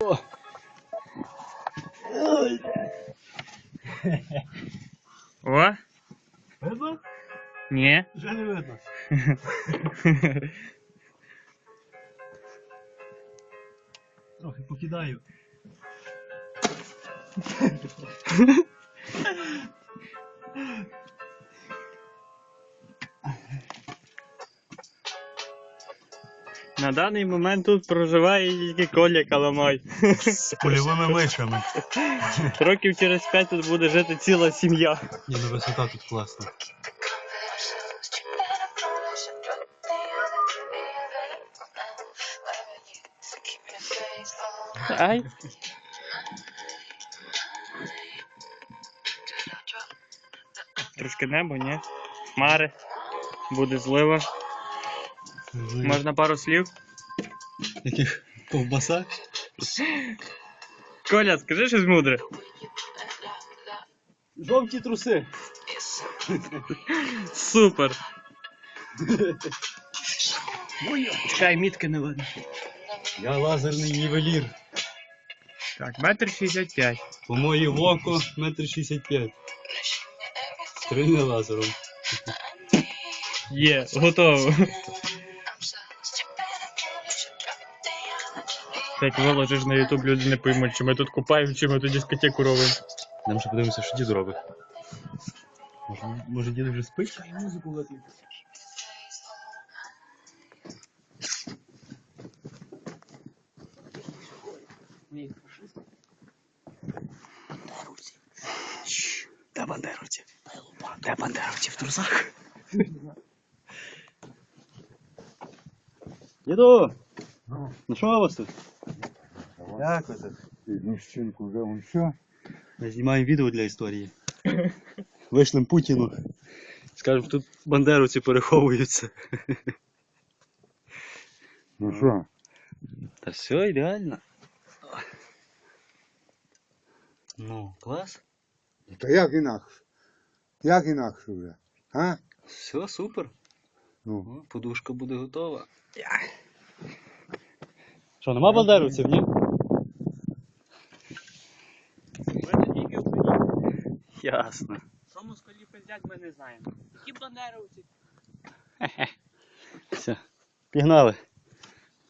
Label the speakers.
Speaker 1: О!
Speaker 2: О?
Speaker 1: Видно?
Speaker 2: Ні.
Speaker 1: Вже не видно. Трохи покидаю.
Speaker 2: На даний момент тут проживає тільки Коля Каламай.
Speaker 1: З польовими мишами.
Speaker 2: Років через 5 тут буде жити ціла сім'я.
Speaker 1: Ні, ну висота тут класна.
Speaker 2: Ай. Трошки небо, ні? Хмари. Буде злива. Можна пару слів?
Speaker 1: Яких ковбаса?
Speaker 2: Коля, скажи щось мудре.
Speaker 1: Жовті труси.
Speaker 2: Супер. Чекай, мітки не видно.
Speaker 1: Я лазерний нівелір.
Speaker 2: Так, 1,65 м.
Speaker 1: По моє око 1,65 м. Стрільне лазером.
Speaker 2: Є, готово. Як виложиш на YouTube, люди не поймуть, чи ми тут купаємо, чи ми тут дискотеку робимо.
Speaker 1: Нам ще подивимося, що дід робить. Може дід вже спить? І музику виключить. Бандеровці. Де бандеровці? Де бандеровці в трусах? Діду! Ну що у вас тут? Як ви тут?
Speaker 3: Мужчинку вже он що?
Speaker 1: Ми знімаємо відео для історії. Вишлем Путіну. Скажемо, тут бандеровці переховуються.
Speaker 3: Ну що?
Speaker 1: Та все ідеально. Ну, клас.
Speaker 3: Та як інакше? Як інакше вже? А?
Speaker 1: Все, супер.
Speaker 3: Ну.
Speaker 1: О, подушка буде готова. Що, нема бандеровців, ні? Ясно.
Speaker 2: Що москалі пиздять, ми не знаємо. Які бандеровці?
Speaker 1: Все. Пігнали.